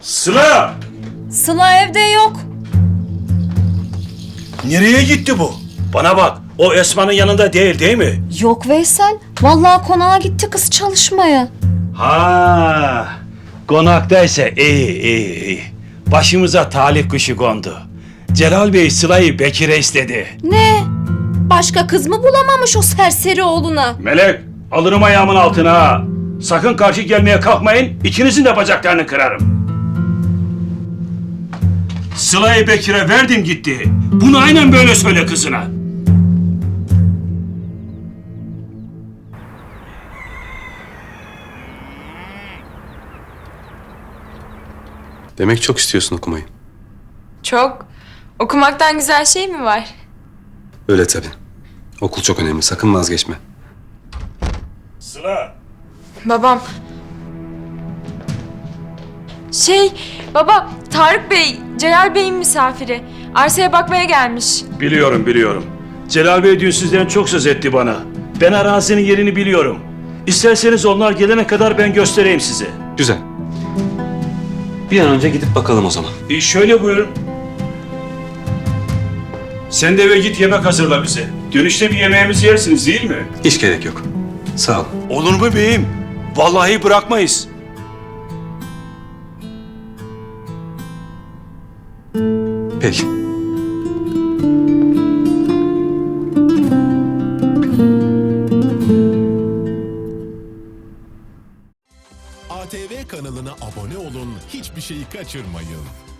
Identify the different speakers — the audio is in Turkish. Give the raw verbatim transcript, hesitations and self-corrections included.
Speaker 1: Sıla!
Speaker 2: Sıla evde yok.
Speaker 1: Nereye gitti bu? Bana bak, o Esma'nın yanında değil değil mi?
Speaker 2: Yok Veysel. Vallahi konağa gitti kız çalışmaya.
Speaker 1: Ha, konaktaysa iyi iyi iyi. Başımıza talih kuşu kondu. Celal Bey Sıla'yı Bekir'e istedi.
Speaker 2: Ne? Başka kız mı bulamamış o serseri oğluna?
Speaker 1: Melek, alırım ayağımın altına ha. Sakın karşı gelmeye kalkmayın, ikinizin de bacaklarını kırarım. Sıla'yı Bekir'e verdim gitti. Bunu aynen böyle söyle kızına.
Speaker 3: Demek çok istiyorsun okumayı.
Speaker 4: Çok. Okumaktan güzel şey mi var?
Speaker 3: Öyle tabii. Okul çok önemli. Sakın vazgeçme.
Speaker 1: Sıla.
Speaker 4: Babam. Şey, baba, Tarık Bey, Celal Bey'in misafiri. Arsaya bakmaya gelmiş.
Speaker 1: Biliyorum biliyorum. Celal Bey dün sizden çok söz etti bana. Ben arazinin yerini biliyorum. İsterseniz onlar gelene kadar ben göstereyim size.
Speaker 3: Güzel. Bir an önce gidip bakalım o zaman.
Speaker 1: E şöyle buyurun. Sen de eve git yemek hazırla bize. Dönüşte bir yemeğimizi yersiniz değil mi?
Speaker 3: Hiç gerek yok. Sağ ol.
Speaker 1: Olur mu beyim? Vallahi bırakmayız.
Speaker 3: Peki.
Speaker 5: A T V kanalına abone olun, hiçbir şeyi kaçırmayın.